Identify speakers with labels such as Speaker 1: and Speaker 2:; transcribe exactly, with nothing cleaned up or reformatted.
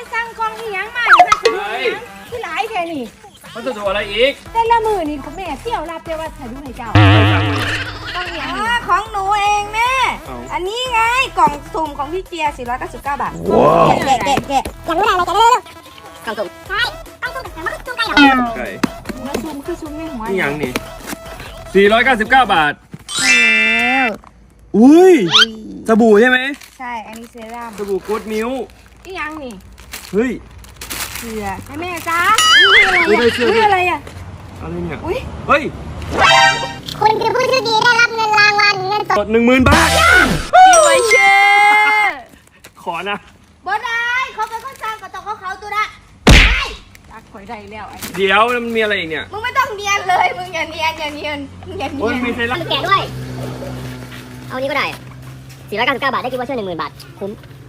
Speaker 1: สั่งกล่องที่ยังมาเนี่ยพัสดุยังที่หลายแค่นี้
Speaker 2: พัสดุอะไรอีก
Speaker 1: แต่ละมือนี่คุณแม่เที่ยวรับแต่ว่าถ่ายรูปให้เจ้าต้องอย่าง
Speaker 3: อ๋อของหนูเองแม่ อันนี้ไงกล่องสุ่มของพี่เจียสี่ร้อยเก้าสิบเก้าบาทแกะแกะแกะอยากรู้อะไรอะไรแกะเร็วๆกล่องสุ่มใช่กล่องสุ่มแต่มันสุ่มไก่เหรอ
Speaker 2: ไก่
Speaker 1: มาซูมคือซูมในหัว
Speaker 2: นี่ยังนี่สี่ร้อยเก้าสิบเก้าบาท
Speaker 3: แล้ว
Speaker 2: อุ้ยสบู่ใช่ไหม
Speaker 3: ใช่อันนี้เซรั่ม
Speaker 2: สบู่กู๊ดมิ้ว
Speaker 1: ที่ยังนี่
Speaker 2: เฮ้ย
Speaker 3: เกลือ
Speaker 1: ให้แม่จ้า
Speaker 2: อุ้ยได้เสื้อ
Speaker 3: อุ้ย
Speaker 2: ด้วย
Speaker 3: อะไรอ่ะ
Speaker 2: อะไรเนี่ย
Speaker 3: อุ้ย
Speaker 2: เฮ้ย
Speaker 3: คุณคือผู้โชคดีได้รับเงินรางวัลเงินส
Speaker 2: ก
Speaker 3: ด
Speaker 2: ดหนึ่งหมื่นบาท
Speaker 3: ไว้เชื่อ
Speaker 2: ขอนะ
Speaker 3: บ่ได้เขาเป็นคนสร้างก็ต้องเขาเขาตัวละ
Speaker 1: จักข่อยได้แล้วไอ้
Speaker 2: เดี๋ยวมันมีอะไรอีกเนี่ย
Speaker 3: มึงไม่ต้องเนียนเลยมึงอย่าเนียนอย่าเนียนมึงอย่าเนี
Speaker 2: โอ้ย
Speaker 3: ยน
Speaker 2: มีเซรั่ม
Speaker 4: แกะด้วย เอาอันนี้ก็ได้สี่ร้อยเก้าสิบเก้าบาทได้กิฟต์วอเชอร์หนึ่งหมื่นบาท คุ้ม